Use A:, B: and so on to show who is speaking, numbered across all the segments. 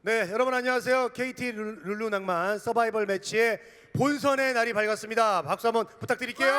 A: 네, 여러분 안녕하세요. KT 룰루낭만 서바이벌 매치의 본선의 날이 밝았습니다. 박수 한번 부탁드릴게요.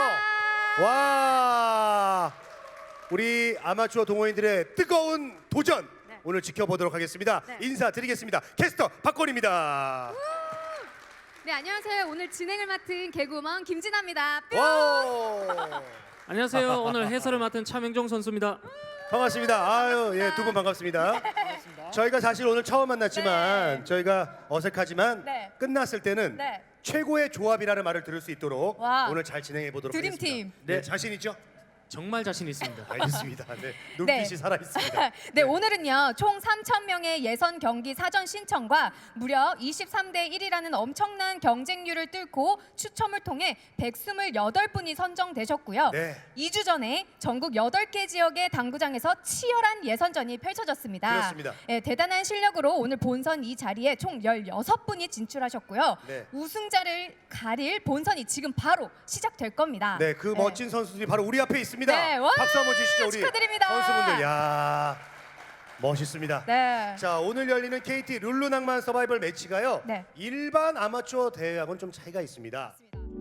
A: 와, 우리 아마추어 동호인들의 뜨거운 도전 오늘 지켜보도록 하겠습니다. 인사드리겠습니다. 캐스터 박건입니다.
B: 네, 안녕하세요. 오늘 진행을 맡은 개구먼 김진아입니다.
A: 와,
C: 안녕하세요. 오늘 해설을 맡은 차명종 선수입니다.
A: 반갑습니다. 아유, 예, 두 분 반갑습니다. 저희가 사실 오늘 처음 만났지만 저희가 어색하지만 끝났을 때는 최고의 조합이라는 말을 들을 수 있도록 오늘 잘 진행해 보도록 하겠습니다.
B: 드림팀.
A: 네, 자신 있죠?
C: 정말 자신 있습니다.
A: 알겠습니다. 네, 눈빛이 살아 있습니다.
B: 네, 오늘은요 총 3,000명의 예선 경기 사전 신청과 무려 23대 1이라는 엄청난 경쟁률을 뚫고 추첨을 통해 128분이 선정되셨고요. 2주 전에 전국 8개 지역의 당구장에서 치열한 예선전이 펼쳐졌습니다.
A: 그렇습니다.
B: 네, 대단한 실력으로 오늘 본선 이 자리에 총 16분이 진출하셨고요. 우승자를 가릴 본선이 지금 바로 시작될 겁니다.
A: 네, 그 멋진 선수들이 바로 우리 앞에 있습니다.
B: 네, 와,
A: 박수 한번 주시죠, 우리
B: 축하드립니다.
A: 선수분들. 야, 멋있습니다.
B: 네.
A: 자, 오늘 열리는 KT 룰루낭만 서바이벌 매치가요. 일반 아마추어 대회하고는 좀 차이가 있습니다.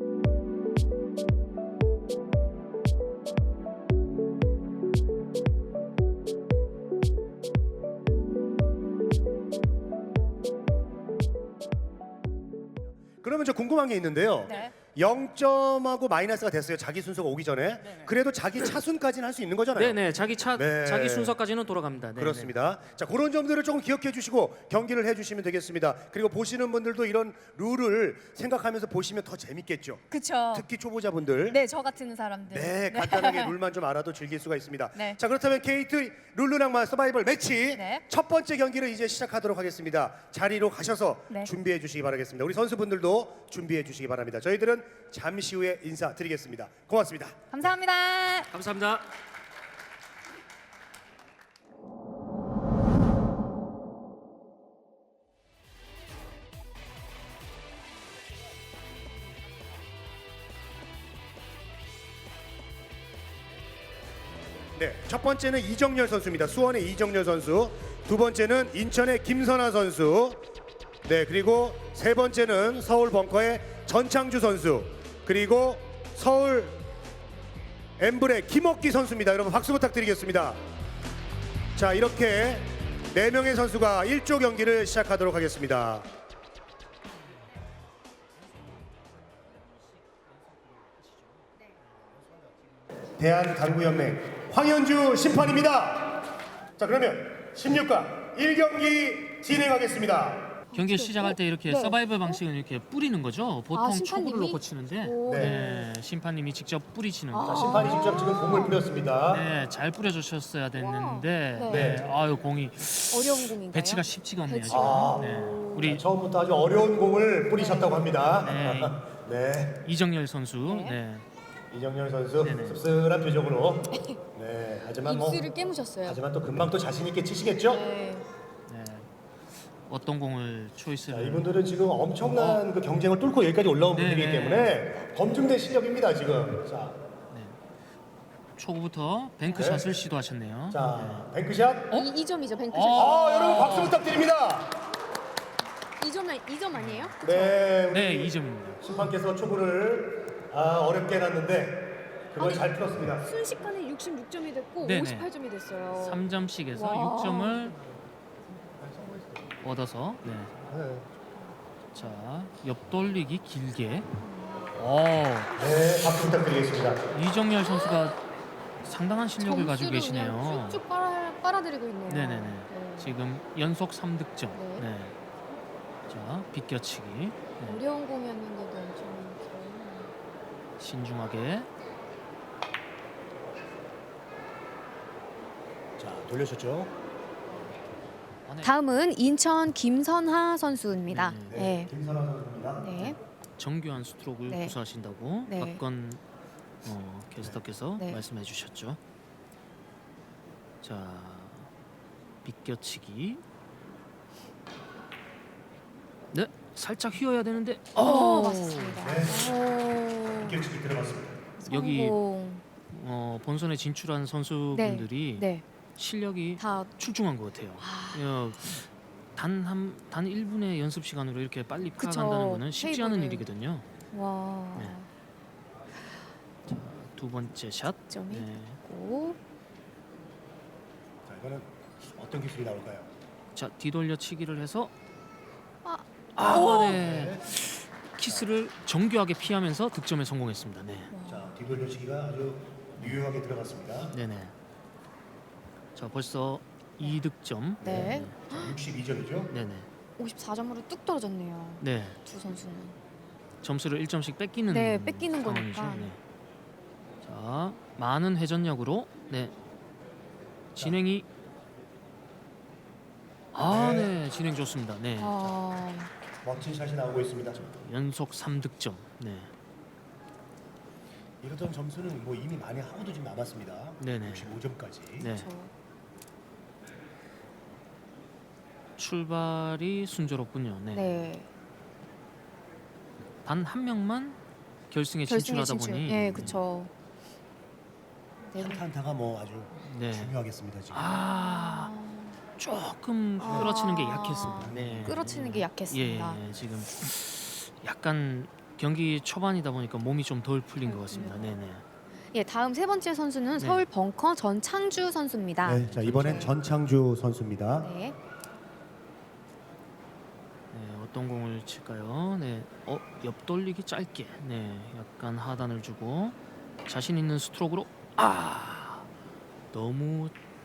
A: 그러면 저 궁금한 게 있는데요. 0점하고 마이너스가 됐어요. 자기 순서가 오기 전에. 그래도 자기 차순까지는 할 수 있는 거잖아요.
C: 네네, 자기 순서까지는 돌아갑니다. 네네.
A: 그렇습니다. 자, 그런 점들을 조금 기억해 주시고 경기를 해주시면 되겠습니다. 그리고 보시는 분들도 이런 룰을 생각하면서 보시면 더 재밌겠죠.
B: 그렇죠.
A: 특히 초보자분들.
B: 네, 저 같은 사람들.
A: 네, 간단하게 룰만 좀 알아도 즐길 수가 있습니다.
B: 네.
A: 자, 그렇다면 KT 룰루낭만 서바이벌 매치 첫 번째 경기를 이제 시작하도록 하겠습니다. 자리로 가셔서 준비해 주시기 바라겠습니다. 우리 선수분들도 준비해 주시기 바랍니다. 저희들은 잠시 후에 인사드리겠습니다. 고맙습니다.
B: 감사합니다.
C: 감사합니다.
A: 네, 첫 번째는 이정열 선수입니다. 수원의 이정열 선수. 두 번째는 인천의 김선아 선수. 네, 그리고 세 번째는 서울 벙커의 전창주 선수. 그리고 서울 엠블의 김옥기 선수입니다. 여러분 박수 부탁드리겠습니다. 자, 이렇게 4명의 선수가 1조 경기를 시작하도록 하겠습니다. 대한당구연맹 황현주 심판입니다. 자, 그러면 16강 1경기 진행하겠습니다.
C: 경기 시작할 때 이렇게 서바이벌 방식은 이렇게 뿌리는 거죠. 보통
B: 심판님이?
C: 초구를 놓고 치는데 네, 심판님이 직접 뿌리치는
A: 자,
C: 거.
A: 심판이 직접 지금 공을 뿌렸습니다.
C: 네, 잘 뿌려주셨어야 됐는데 아유 공이
B: 어려운 공인가요?
C: 배치가 쉽지가 않네요 지금. 네, 우리
A: 처음부터 아주 어려운 공을 뿌리셨다고 합니다.
C: 네.
A: 네,
C: 이정열 선수. 네.
A: 이정열 선수
C: 네네.
A: 씁쓸한 표정으로. 네, 하지만 뭐
B: 입술을 깨무셨어요.
A: 하지만 또 금방 또 자신 있게 치시겠죠?
C: 네. 어떤 공을
A: 자,
C: 초이스를.
A: 이분들은 지금 엄청난 그 경쟁을 뚫고 여기까지 올라온
C: 네네.
A: 분들이기 때문에 검증된 실력입니다 지금. 자,
C: 초구부터 뱅크샷을 시도하셨네요.
A: 자, 뱅크샷.
B: 2점이죠, 뱅크샷.
A: 여러분 박수 부탁드립니다.
B: 2점 아니에요?
A: 네, 우리
C: 네, 2점입니다.
A: 심판께서 초구를 어렵게 해놨는데 그걸 잘 풀었습니다.
B: 순식간에 66점이 됐고
C: 네네.
B: 58점이 됐어요.
C: 3점씩에서
B: 와.
C: 6점을 얻어서 자, 옆돌리기 길게.
A: 네, 박수 부탁드리겠습니다.
C: 이정열 선수가 상당한 실력을 가지고 계시네요.
B: 쭉쭉 빨아들이고 있네요.
C: 네네네. 지금 연속 3득점.
B: 네.
C: 네. 자, 비껴치기. 네.
B: 어려운 공이었는데도 엄청
C: 신중하게.
A: 자, 돌려줬죠.
B: 다음은 인천 김선하 선수입니다.
A: 네, 김선아 선수입니다.
B: 네.
C: 정교한 스트로크를
B: 네.
C: 구사하신다고
B: 네.
C: 박건 캐스터께서
B: 네.
C: 말씀해 주셨죠. 자, 비껴치기. 네, 살짝 휘어야 되는데.
B: 맞습니다.
A: 비껴치기 들어갔습니다.
C: 여기 본선에 진출한 선수분들이
B: 네.
C: 실력이
B: 다
C: 출중한 것 같아요. 단 1분의 연습 시간으로 이렇게 빨리
B: 그쵸.
C: 파악한다는 거는 쉽지 않은
B: 테이블을.
C: 일이거든요.
B: 와.
C: 네. 자, 두 번째 샷.
B: 점이
C: 네.
B: 있고.
A: 자, 이거는 어떤 기술이 나올까요?
C: 자, 뒤돌려치기를 해서
B: 오!
C: 네. 키스를 정교하게 피하면서 득점에 성공했습니다. 네.
A: 자, 뒤돌려치기가 아주 유용하게 들어갔습니다.
C: 네네. 자, 벌써 2득점.
B: 네.
A: 62점이죠?
C: 네네.
B: 54점으로 뚝 떨어졌네요.
C: 네.
B: 두 선수는.
C: 점수를 1점씩 뺏기는
B: 네, 뺏기는
C: 상황이죠.
B: 거니까.
C: 네. 자, 많은 회전력으로 네. 진행이 네, 진행 좋습니다. 네.
B: 아,
A: 멋진 샷이 나오고 있습니다.
C: 연속 3득점. 네.
A: 이러던 점수는 뭐 이미 많이 하고도 좀 남았습니다.
C: 네네.
A: 65점까지.
C: 네.
B: 저
C: 출발이 순조롭군요. 네.
B: 네.
C: 단 한 명만 결승에
B: 결승에
C: 진출하다
B: 진출.
C: 보니
B: 네, 그렇죠. 네.
A: 한타한타가 뭐 아주
C: 네.
A: 중요하겠습니다 지금.
C: 조금 끌어치는 게 약했습니다. 네.
B: 끌어치는 게
C: 예,
B: 약했습니다.
C: 지금 약간 경기 초반이다 보니까 몸이 좀 덜 풀린 것 같습니다.
B: 그렇군요.
C: 네네.
B: 예, 다음 세 번째 선수는
C: 네.
B: 서울 벙커 전창주 선수입니다.
A: 네, 자 이번엔 전창주 선수입니다.
B: 네.
C: 네, 어떤 공을 칠까요? 네, 옆돌리기 짧게. 네, 약간 하단을 주고 자신 있는 스트로크로 너무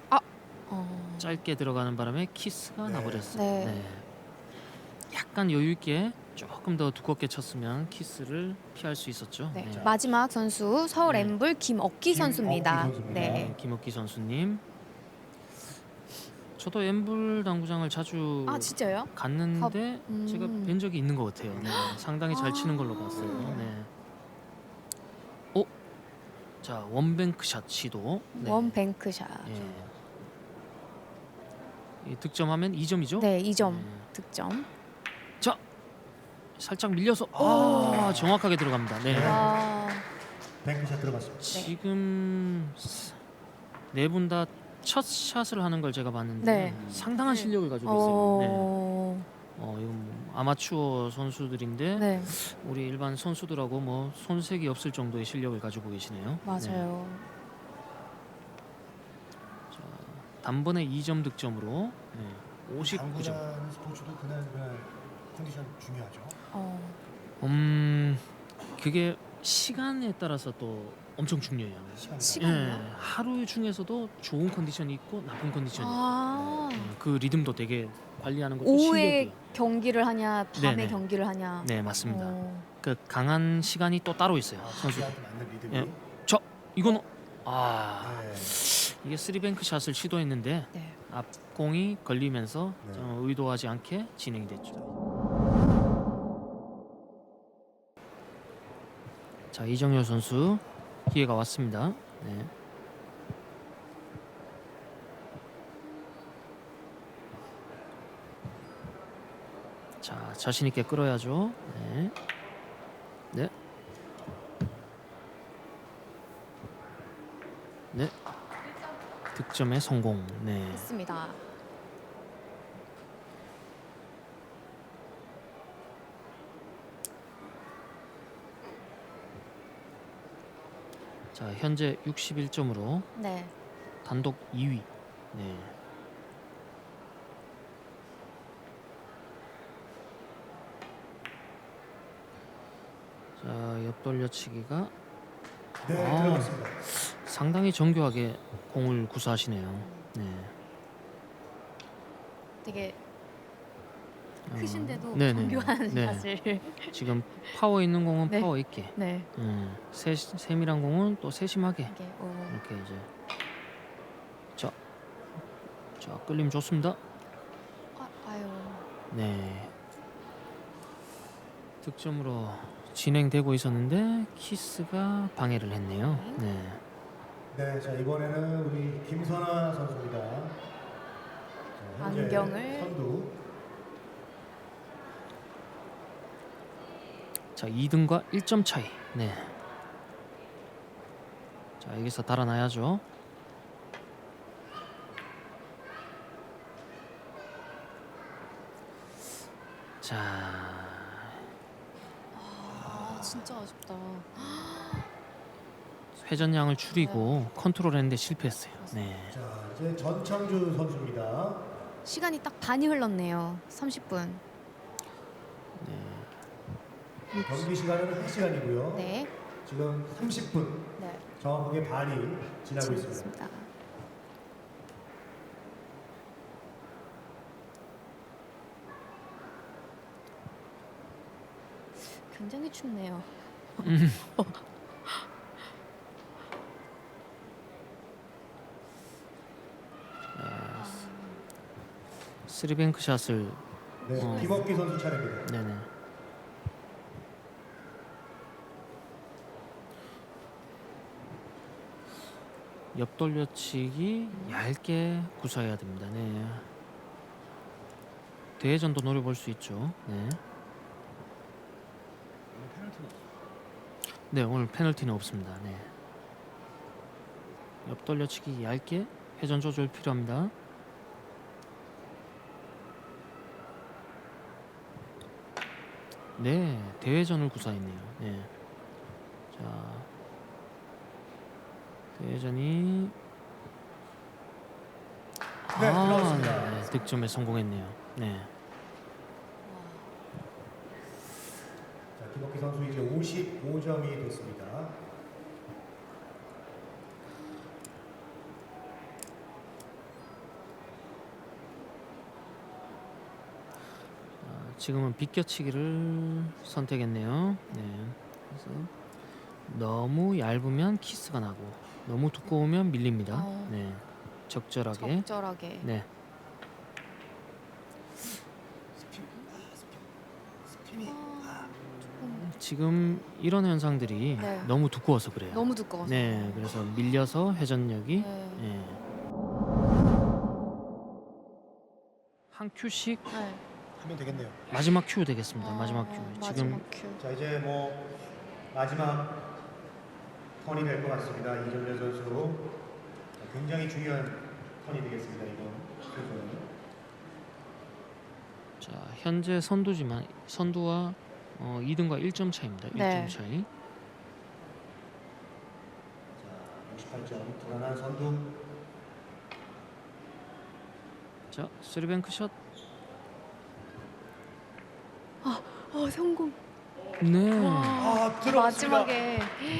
C: 짧게 들어가는 바람에 키스가
A: 네.
C: 나버렸어요.
B: 네.
C: 네. 약간 여유 있게 조금 더 두껍게 쳤으면 키스를 피할 수 있었죠.
B: 네.
C: 네.
B: 마지막 선수 서울
C: 네.
B: 엠블 김억기 선수입니다.
A: 선수입니다.
B: 네.
C: 김옥기 선수님. 저도 엠블 당구장을 자주
B: 아, 진짜요?
C: 갔는데
B: 음.
C: 제가 뵌 적이 있는 것 같아요. 네, 상당히 잘 치는 걸로 봤어요. 네. 자, 원뱅크샷 시도. 네.
B: 원뱅크샷.
C: 예. 이 득점하면 2점이죠?
B: 네, 2점
C: 네.
B: 득점.
C: 자, 살짝 밀려서 정확하게 들어갑니다. 네.
B: 와.
A: 뱅크샷 들어갔습니다.
C: 지금 네 분 다 첫 샷을 하는 걸 제가 봤는데
B: 네.
C: 상당한 실력을 가지고 있어요. 네.
B: 어.
C: 이건 뭐 아마추어 선수들인데
B: 네,
C: 우리 일반 선수들하고 뭐 손색이 없을 정도의 실력을 가지고 계시네요. 네.
B: 맞아요.
C: 자, 단번에 2점 득점으로 59점.
A: 당구장 스포츠도 그날 컨디션 중요하죠.
C: 그게 시간에 따라서 또 엄청 중요해요.
B: 시간이요?
C: 하루 중에서도 좋은 컨디션이 있고 나쁜 컨디션이 있고
B: 아.
C: 그 리듬도 되게 관리하는 것도
B: 오후에
C: 실력이에요.
B: 경기를 하냐, 밤에
C: 네네.
B: 경기를 하냐.
C: 네, 맞습니다.
B: 어.
C: 그 강한 시간이 또 따로 있어요. 선수.
A: 자기한테 맞는 리듬이.
C: 예. 저 이거는
A: 네.
C: 이게 쓰리뱅크 샷을 시도했는데
B: 네.
C: 앞공이 걸리면서
A: 네.
C: 의도하지 않게 진행이 됐죠. 자, 이정열 선수 기회가 왔습니다. 네. 자, 자신 있게 끌어야죠. 네. 네. 네. 득점에 성공. 네.
B: 했습니다.
C: 자, 현재 61점으로
B: 네.
C: 단독 2위. 네. 자, 옆돌려치기가
A: 네, 들어갔습니다.
C: 상당히 정교하게 공을 구사하시네요. 네.
B: 되게
C: 어,
B: 크신데도
C: 네네.
B: 정교한
C: 네.
B: 샷을.
C: 지금 파워 있는 공은
B: 네.
C: 파워 있게,
B: 네.
C: 세밀한 공은 또 세심하게
B: 이게
C: 이렇게 이제 자 끌림 좋습니다.
B: 아유.
C: 네. 득점으로 진행되고 있었는데 키스가 방해를 했네요. 네.
A: 네, 자 이번에는 우리 김선아 선수입니다. 자, 현재
B: 안경을.
A: 선두.
C: 자, 2등과 1점 차이. 네. 자, 여기서 달아나야죠. 자,
B: 아, 진짜 아쉽다.
C: 회전량을 줄이고 컨트롤했는데 실패했어요. 네.
A: 자, 이제 전창주 선수입니다.
B: 시간이 딱 반이 흘렀네요. 30분.
A: 경기 시간은 1시간이고요.
B: 네.
A: 지금 30분
B: 네.
A: 정확하게 반이 지나고 있습니다.
B: 있습니다. 굉장히 춥네요.
C: 쓰리뱅크 샷을
A: 네, 김업기 선수 차례입니다.
C: 네네. 옆 돌려치기 얇게 구사해야 됩니다. 네. 대회전도 노려볼 수 있죠. 네. 네, 오늘 페널티는 없습니다. 네. 옆 돌려치기 얇게 회전 조절 필요합니다. 네, 대회전을 구사했네요. 네. 자, 대회전이
A: 네, 들어갔습니다.
C: 네, 득점에 성공했네요. 네.
A: 자, 김업기 선수 이제 55점이 됐습니다.
C: 지금은 비껴치기를 선택했네요. 네. 그래서 너무 얇으면 키스가 나고 너무 두꺼우면 밀립니다. 네. 적절하게.
B: 적절하게.
C: 네. 지금 이런 현상들이
B: 네.
C: 너무 두꺼워서 그래요.
B: 너무 두꺼워서.
C: 네. 그래서 밀려서 회전력이
B: 네.
C: 네. 한 큐씩
B: 네.
A: 하면 되겠네요.
C: 마지막 큐 되겠습니다. 마지막 큐. 지금
B: 마지막 큐.
A: 자, 이제 뭐 마지막 턴이 될 것 같습니다. 이정렬 선수. 자, 굉장히 중요한 턴이 되겠습니다. 이번 선수는.
C: 자, 현재 선두지만 선두와 2등과 1점 차입니다. 1점
B: 네.
C: 차이.
A: 자, 68점 불안한 선두.
C: 자, 쓰리뱅크 샷.
B: 성공.
C: 네.
A: 아, 들어갔습니다.
B: 마지막에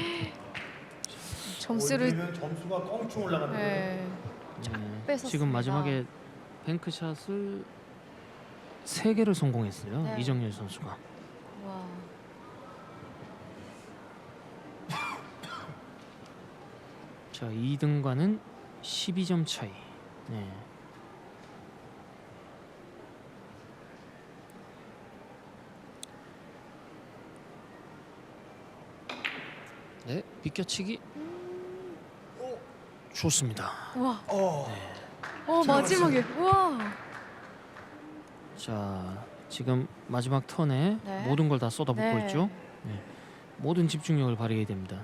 B: 점수를
A: 올리면 점수가 껑충 올라갑니다.
B: 네.
C: 네.
B: 뺏었습니다.
C: 지금 마지막에 뱅크샷을 3개를 성공했어요.
B: 네.
C: 이정열 선수가.
B: 와.
C: 자, 2등과는 12점 차이. 네. 네, 비껴치기. 좋습니다.
B: 와.
A: 어,
B: 마지막에. 와.
C: 자, 지금 마지막 턴에
B: 네.
C: 모든 걸 다 쏟아붓고
B: 네.
C: 있죠. 네. 모든 집중력을 발휘해야 됩니다.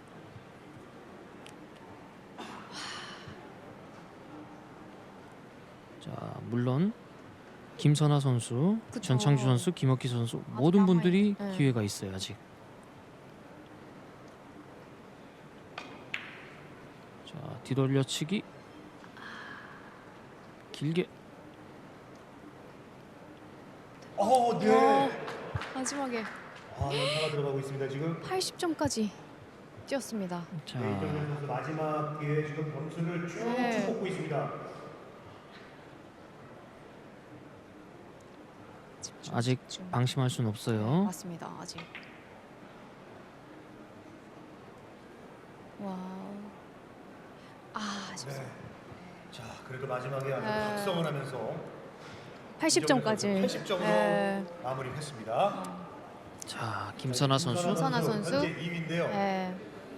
C: 자, 물론 김선아 선수,
B: 그쵸.
C: 전창주 선수, 김학기 선수 모든 분들이
B: 남아있- 네.
C: 기회가 있어요. 아직. 자, 뒤돌려치기 길게.
A: 네.
B: 마지막에
A: 아, 연타가 들어가고 있습니다. 지금
B: 80점까지 뛰었습니다.
C: 자,
A: 네, 이정렬 선수 마지막 기회에 지금 점수를 쭉쭉
B: 네.
A: 뽑고 있습니다.
C: 아직
B: 집중.
C: 방심할 수는 없어요.
B: 맞습니다. 아직. 와. 아쉽습니다.
A: 네. 자, 그래도 마지막에 아주
B: 네.
A: 각성을 하면서
B: 80점까지.
A: 80점으로 마무리했습니다.
C: 자, 김선아 선수.
B: 김선아 선수.
A: 현재 2위인데요.
B: 네.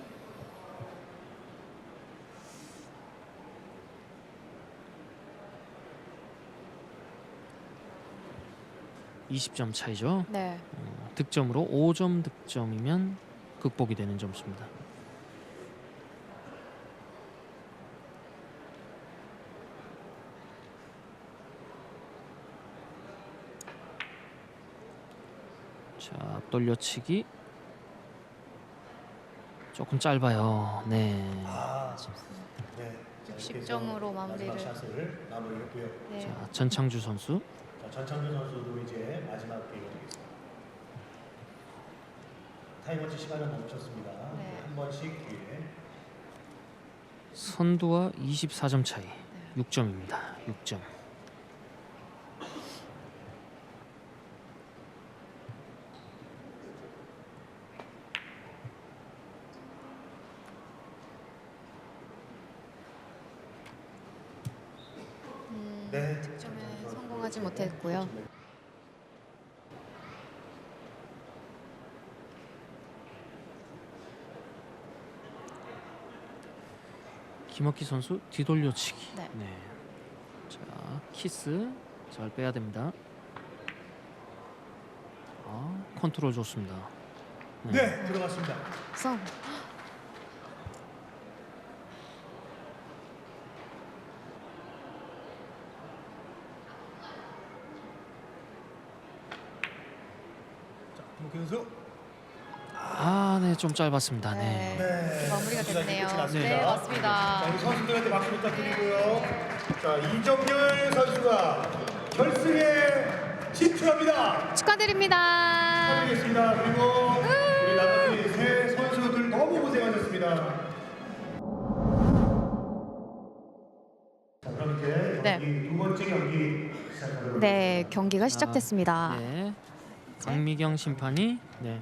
C: 네. 20점 차이죠.
B: 네.
C: 득점으로 5점 득점이면 극복이 되는 점수입니다. 자, 앞돌려치기 조금 짧아요. 네.
A: 네.
B: 60점으로 마무리를.
A: 샷을 마무리했고요.
B: 네.
C: 자, 전창주 선수.
A: 자, 전창준 선수도 이제 마지막 게임이 되겠습니다. 타이머치 시간은 멈췄습니다.
B: 네.
A: 한 번씩 기회.
C: 선두와 24점 차이. 6점입니다. 6점.
A: 네.
B: 득점에 성공하지 못했고요.
C: 김학기 선수 뒤돌려치기.
B: 네.
C: 자, 키스 잘 빼야 됩니다. 컨트롤 좋습니다.
A: 네, 들어갔습니다.
B: 성.
A: 자, 김옥현 선수.
C: 네, 좀 짧았습니다. 네.
A: 네.
B: 마무리가 됐네요.
A: 끝이 났습니다.
B: 네, 맞습니다.
A: 자, 우리 선수들한테 박수 부탁드리고요. 자, 이정열 선수가 결승에 진출합니다.
B: 축하드립니다.
A: 축하드리겠습니다. 그리고 우리 나머지 세 선수들 너무 고생하셨습니다. 자, 그럼 이제
B: 네.
A: 경기 두 번째 경기 시작하도록
B: 네, 경기가 시작됐습니다.
C: 네. 강미경 심판이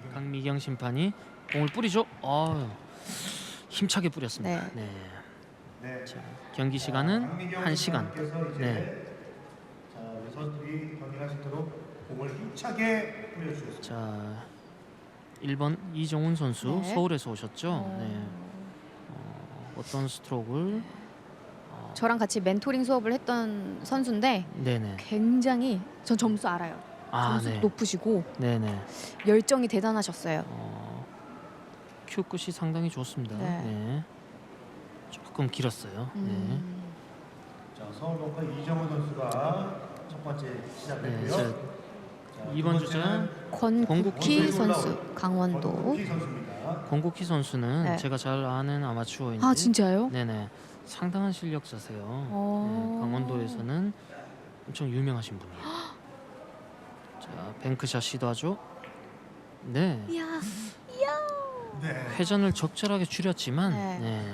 C: 공을 뿌리죠. 힘차게 뿌렸습니다.
B: 네.
A: 네.
C: 자, 경기 시간은
A: 강민경
C: 1시간.
A: 선수께서 이제
C: 네.
A: 자, 우리 선수들이 경기할 수 있도록 공을 힘차게 뿌려주셨습니다.
C: 자, 1번 이정훈 선수
B: 네.
C: 서울에서 오셨죠. 네. 어떤 스트로크를
B: 저랑 같이 멘토링 수업을 했던 선수인데
C: 네네.
B: 굉장히 전 점수 알아요. 점수
C: 네.
B: 높으시고
C: 네네.
B: 열정이 대단하셨어요.
C: 큐 끝이 상당히 좋습니다.
B: 네.
C: 네. 조금 길었어요.
A: 자, 서울벙커 이정훈 선수가 첫 번째
C: 네.
A: 시작했고요.
C: 자,
A: 자,
C: 2번
A: 두
C: 주자
A: 번째는
B: 권국희 선수,
A: 권국희
B: 강원도.
A: 선수입니다.
C: 권국희 선수는
B: 네.
C: 제가 잘 아는 아마추어인데
B: 아, 진짜요?
C: 네네. 상당한 실력자세요. 네, 강원도에서는 엄청 유명하신 분이에요. 자, 뱅크샷 시도하죠. 네.
B: 이야.
A: 네.
C: 회전을 적절하게 줄였지만
B: 네.
C: 네.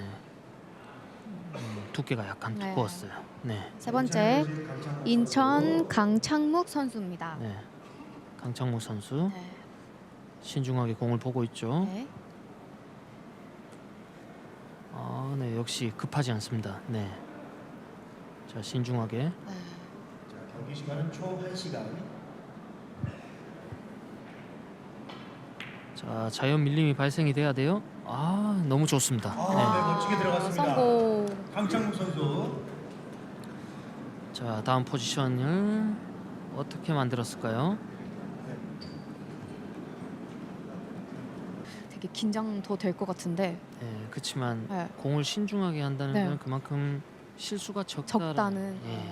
C: 두께가 약간
B: 네.
C: 두꺼웠어요. 네.
B: 세 번째 인천 강창묵 선수입니다.
C: 네. 강창모 선수
B: 네.
C: 신중하게 공을 보고 있죠.
B: 네.
C: 네, 역시 급하지 않습니다. 네. 자, 신중하게.
B: 네.
A: 자, 경기 시간은 총 1시간.
C: 자, 자연 밀림이 발생이 돼야 돼요. 너무 좋습니다.
A: 네, 멋지게 들어갔습니다.
B: 성공.
A: 강창국 선수.
C: 자, 다음 포지션을 어떻게 만들었을까요?
B: 되게 긴장 더 될 것 같은데
C: 네, 그렇지만
B: 네.
C: 공을 신중하게 한다는
B: 네.
C: 건 그만큼 실수가
B: 적다는.
C: 예.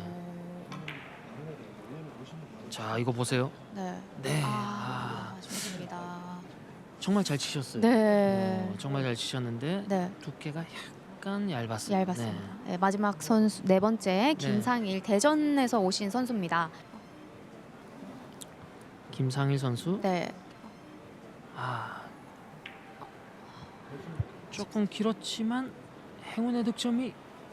C: 자, 이거 보세요.
B: 네.
C: 네.
B: 좋습니다.
C: 정말 잘 치셨어요.
B: 네.
C: 정말 잘 치셨는데
B: 네.
C: 두께가 약간 얇았어요.
B: 얇았습니다. 네, 마지막 선수 네 번째 김상일 대전에서 오신 선수입니다.
C: 김상일 선수.
B: 네.
C: 조금 길었지만 행운의 득점이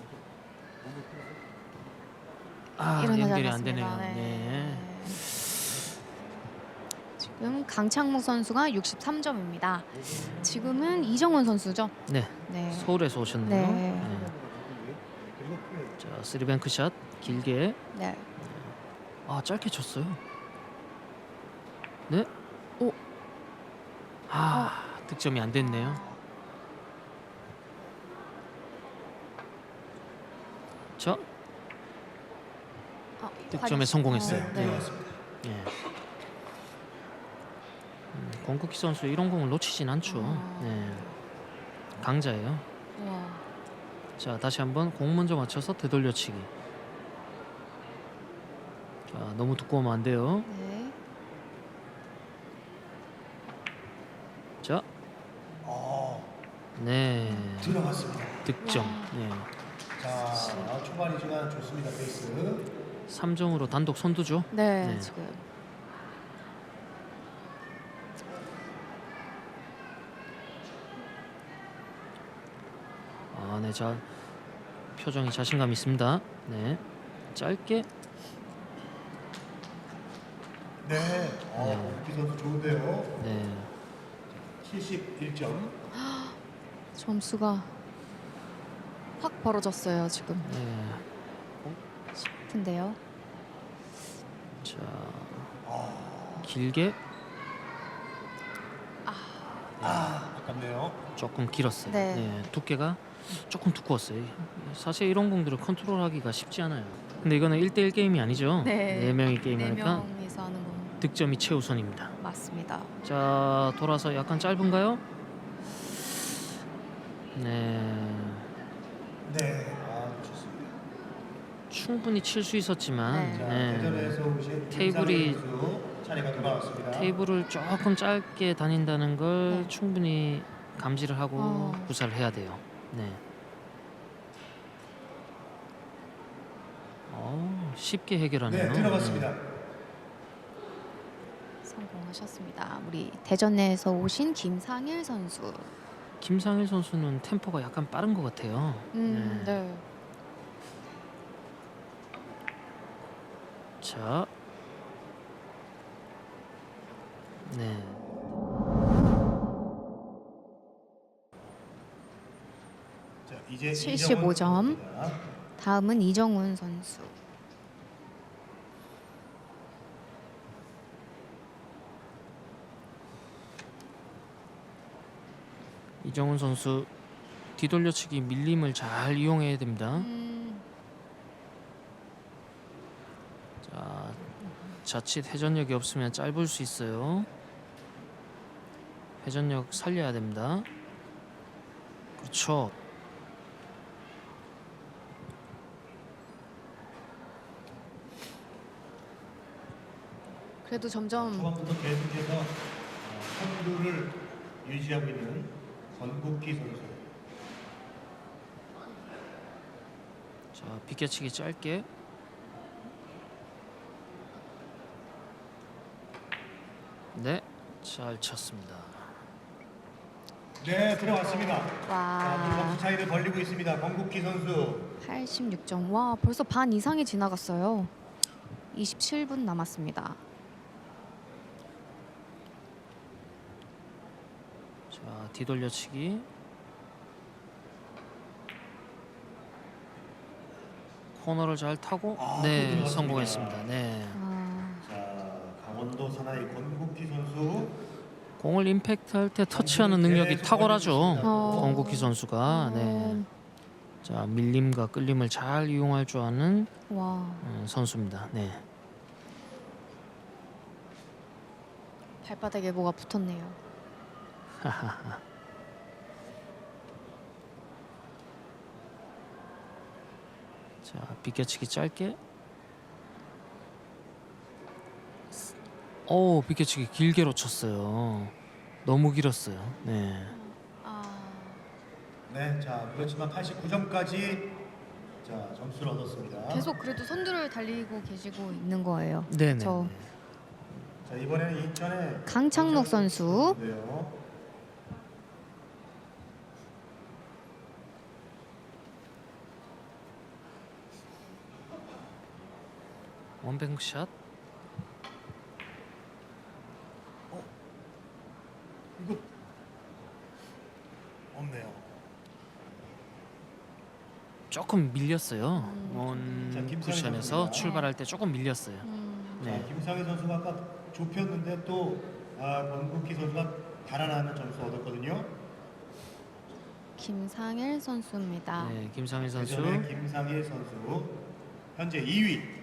B: 일어나지
C: 연결이 안
B: 않았습니다.
C: 되네요.
B: 네.
C: 네.
B: 지금 강창묵 선수가 63점입니다. 지금은 이정원 선수죠.
C: 네.
B: 네.
C: 서울에서 오셨네요.
B: 네.
C: 자, 쓰리뱅크 샷 길게.
B: 네.
C: 짧게 쳤어요. 네.
B: 오.
C: 득점이 안 됐네요. 자, 득점에 성공했어요.
B: 네.
C: 네. 권국희 선수 이런 공을 놓치진 않죠. 네. 강자예요.
B: 우와.
C: 자, 다시 한번 공 먼저 맞춰서 되돌려치기. 자, 너무 두꺼우면 안 돼요.
B: 네.
C: 네.
A: 들어갔습니다.
C: 득점. 네.
A: 자, 초반이지만 좋습니다. 페이스.
C: 3점으로 단독 선두죠.
B: 네,
C: 네.
B: 지금
C: 아, 네. 자, 표정이 자신감 있습니다. 네. 짧게.
A: 네. 공기 선수 좋은데요.
C: 네.
A: 71점.
B: 점수가 확 벌어졌어요 지금
C: 네.
B: 싶은데요.
C: 자, 길게.
A: 아깝네요.
C: 조금 길었어요.
B: 네.
C: 네. 두께가 조금 두꺼웠어요. 사실 이런 공들을 컨트롤하기가 쉽지 않아요. 근데 이거는 1대1 게임이 아니죠.
B: 네.
C: 명이
B: 네
C: 게임하니까
B: 명이서 하는 건
C: 득점이 최우선입니다.
B: 맞습니다.
C: 자, 돌아서 약간 짧은가요? 네.
A: 네. 좋습니다.
C: 충분히 칠 수 있었지만
B: 네.
A: 자,
C: 네.
A: 대전에서 오신
C: 테이블이-
A: 김상현 선수 차례가 돌아왔습니다.
C: 테이블을 조금 짧게 다닌다는 걸
B: 네.
C: 충분히 감지를 하고 구사를 해야 돼요. 네. 쉽게 해결하네요.
A: 네, 들어갔습니다.
B: 성공하셨습니다. 우리 대전 내에서 오신 김상일 선수.
C: 김상일 선수는 템포가 약간 빠른 것 같아요.
B: 네.
C: 자, 네.
A: 자, 이제
B: 75 점.
A: 이정원 선수입니다.
B: 다음은 이정훈 선수.
C: 이정훈 선수 뒤돌려치기 밀림을 잘 이용해야 됩니다. 자, 자칫 회전력이 없으면 짧을 수 있어요. 회전력 살려야 됩니다. 그렇죠.
B: 그래도 점점
A: 초반부터 계속해서 선두를 유지하고 있는 권국기 선수.
C: 자, 비껴치기 짧게. 네, 잘 쳤습니다.
A: 네, 들어왔습니다. 자, 물건
B: 와
A: 차이를 벌리고 있습니다. 권국기 선수.
B: 86점. 와 벌써 반 이상이 지나갔어요. 27분 남았습니다.
C: 자, 뒤돌려치기. 코너를 잘 타고
A: 또
C: 네,
A: 들어갔습니다.
C: 성공했습니다. 네.
A: 자, 강원도 사나이 권국기 선수.
C: 공을 임팩트 할 때 터치하는 능력이 탁월하죠.
B: 어.
C: 권국희 선수가. 네. 자, 밀림과 끌림을 잘 이용할 줄 아는
B: 와
C: 선수입니다. 네.
B: 발바닥에 뭐가 붙었네요.
C: 자, 비껴치기 짧게. 비껴치기 길게 놓쳤어요. 너무 길었어요. 네.
A: 네, 자, 그렇지만 89점까지 자, 점수를 얻었습니다.
B: 계속 그래도 선두를 달리고 계시고 있는 거예요.
C: 네, 네.
B: 저
A: 자, 이번에는 인천의
B: 강창록 선수.
A: 선수인데요.
C: 원뱅크샷.
A: 이거 없네요.
C: 조금 밀렸어요.
A: 자,
C: 원
A: 김상희
C: 쿠션에서
A: 선수입니다.
C: 출발할 때 조금 밀렸어요.
A: 자,
C: 네.
A: 김상희 선수가 아까 좁혔는데 또 권국기 선수가 달아나는 점수 얻었거든요.
B: 김상일 선수입니다.
C: 네, 김상일 선수.
A: 대전의 김상희 선수 현재 2위.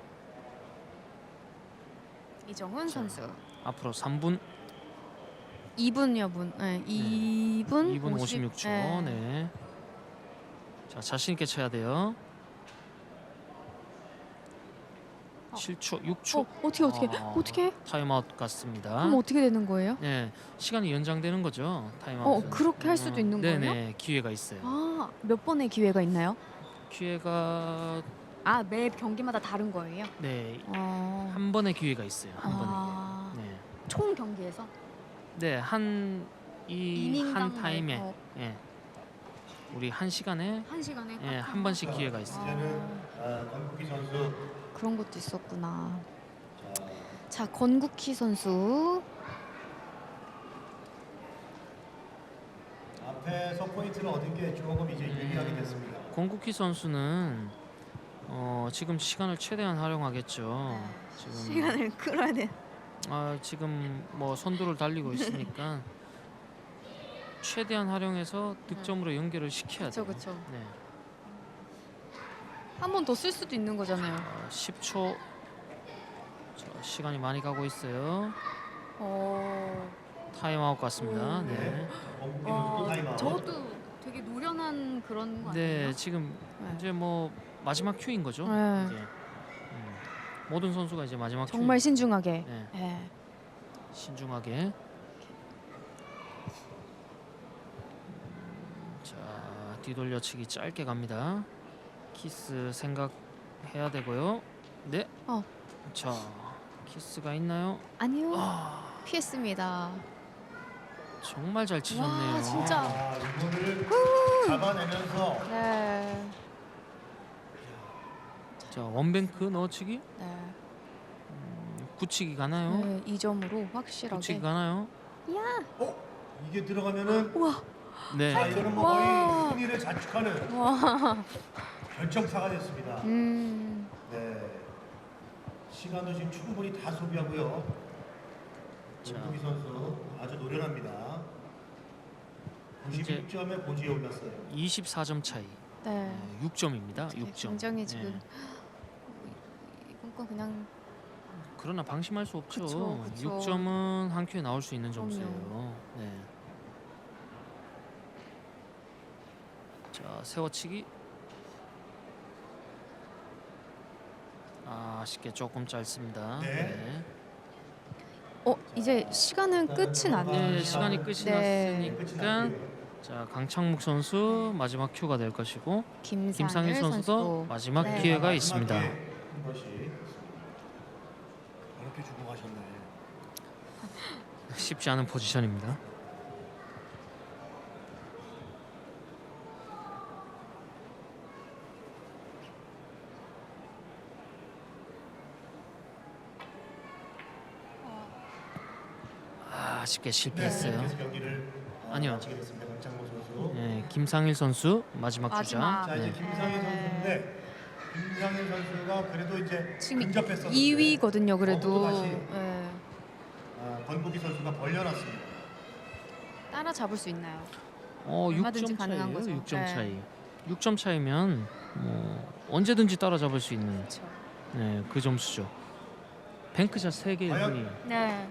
B: 이정훈 선수.
C: 앞으로 3분.
D: 2분여 분. 네, 2분
C: 2분 56초.
D: 네.
C: 네. 자, 자신 있게 쳐야 돼요. 7초, 6초.
D: 어떻게?
C: 타임아웃 같습니다.
D: 그럼 어떻게 되는 거예요?
C: 네, 시간이 연장되는 거죠. 타임아웃.
D: 그렇게 할 수도 있는 거예요?
C: 네네, 기회가 있어요.
D: 아, 몇 번의 기회가 있나요?
C: 기회가
D: 아, 매 경기마다 다른 거예요?
C: 네,
D: 아,
C: 한 번의 기회가 있어요. 한 번에.
D: 아,
C: 네,
D: 총 경기에서
C: 네, 한
D: 이닝당
C: 타임에, 예, 우리 한 시간에
D: 한 시간에
C: 예, 한 번씩 기회가 있어요.
A: 이제는 권국희 선수
D: 그런 것도 있었구나. 자, 권국희 선수.
A: 앞에서 포인트를 얻은 게 조금 이제 유리하게 됐습니다.
C: 권국희 선수는 지금 시간을 최대한 활용하겠죠. 지금
D: 시간을 끌어야 돼.
C: 지금 뭐 선두를 달리고 있으니까 최대한 활용해서 득점으로 연결을 시켜야 돼요.
D: 그렇죠.
C: 네.
D: 한 번 더 쓸 수도 있는 거잖아요.
C: 10초. 자, 시간이 많이 가고 있어요. 타임아웃 같습니다. 네.
A: 권국희 선수도 타임아웃.
D: 저것도 되게 노련한 그런 거
C: 네,
D: 아니에요?
C: 지금
D: 네.
C: 이제 뭐 마지막 큐인 거죠.
D: 네.
C: 이제. 모든 선수가 이제 마지막
D: 정말
C: 큐.
D: 신중하게.
C: 네,
D: 네.
C: 신중하게. 자, 뒤돌려치기 짧게 갑니다. 키스 생각해야 되고요. 네. 자, 키스가 있나요?
D: 아니요.
C: 아,
D: 피했습니다.
C: 정말 잘 치셨네요.
D: 와, 진짜.
A: 이거를 잡아내면서
D: 네.
C: 자, 원뱅크 넣어치기?
D: 네.
C: 굳히기 가나요?
D: 네, 2점으로 확실하게.
C: 굳히기 가나요?
A: 이게 들어가면은
C: 네.
A: 자, 이거는 뭐
D: 와.
A: 거의 승리를 자축하는
D: 와.
A: 결정타가 됐습니다. 네. 시간도 지금 충분히 다 소비하고요.
C: 자.
A: 권국희 선수 아주 노련합니다.
C: 이제
A: 96점에 고지에 올랐어요.
C: 24점 차이.
D: 네.
C: 6점입니다.
D: 되게
C: 6점.
D: 굉장히 지금
C: 네.
D: 이건 건 그냥
C: 그러나 방심할 수 없죠.
D: 그쵸, 그쵸.
C: 6점은 한 큐에 나올 수 있는 점수예요.
D: 그럼요.
C: 네. 자, 세워치기. 아쉽게 조금 짧습니다.
A: 네.
D: 이제 시간은 끝이 났네요.
C: 네, 시간이 끝이
D: 네.
C: 났으니까 자, 강창묵 선수 마지막 큐가 될 것이고 김상일 선수도
D: 선수도.
C: 마지막
D: 네.
C: 기회가 있습니다.
A: 한 것이 이렇게 주고 가셨네.
C: 쉽지 않은 포지션입니다. 아쉽게 실패했어요.
A: 그래서 경기를
C: 아니요.
A: 마치게 됐습니다. 강창모 선수.
C: 네, 김상일 선수 마지막 주자.
D: 마지막.
A: 자, 이제
C: 네.
A: 김상일 선수인데 김상일 선수가 그래도 이제
D: 지금
A: 근접했었는데
D: 2위거든요. 그래도
A: 다시
D: 네.
A: 권국희 선수가 벌려놨습니다.
D: 따라잡을 수 있나요?
C: 6점
D: 얼마든지 가능한
C: 차이예요.
D: 거죠.
C: 6점
D: 네.
C: 차이. 6점 차이면 언제든지 따라잡을 수 있는
D: 그렇죠.
C: 네, 그 점수죠. 뱅크샷 3개의
A: 과연?
C: 분이
D: 네.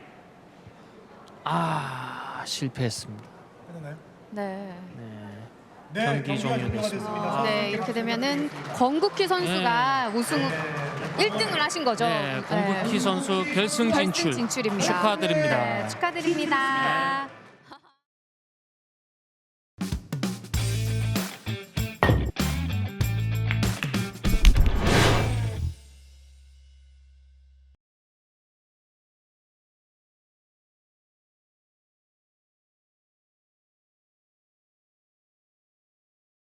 C: 실패했습니다.
A: 끝나나요?
D: 네.
C: 네.
A: 네,
C: 경기
A: 경기가
C: 종료됐습니다.
A: 종료가
D: 네, 이렇게 되면은 권국희 선수가 우승 1등을 하신 거죠.
C: 네, 권국희 선수 결승
D: 결승
C: 진출
D: 진출입니다.
C: 축하드립니다.
D: 네, 축하드립니다.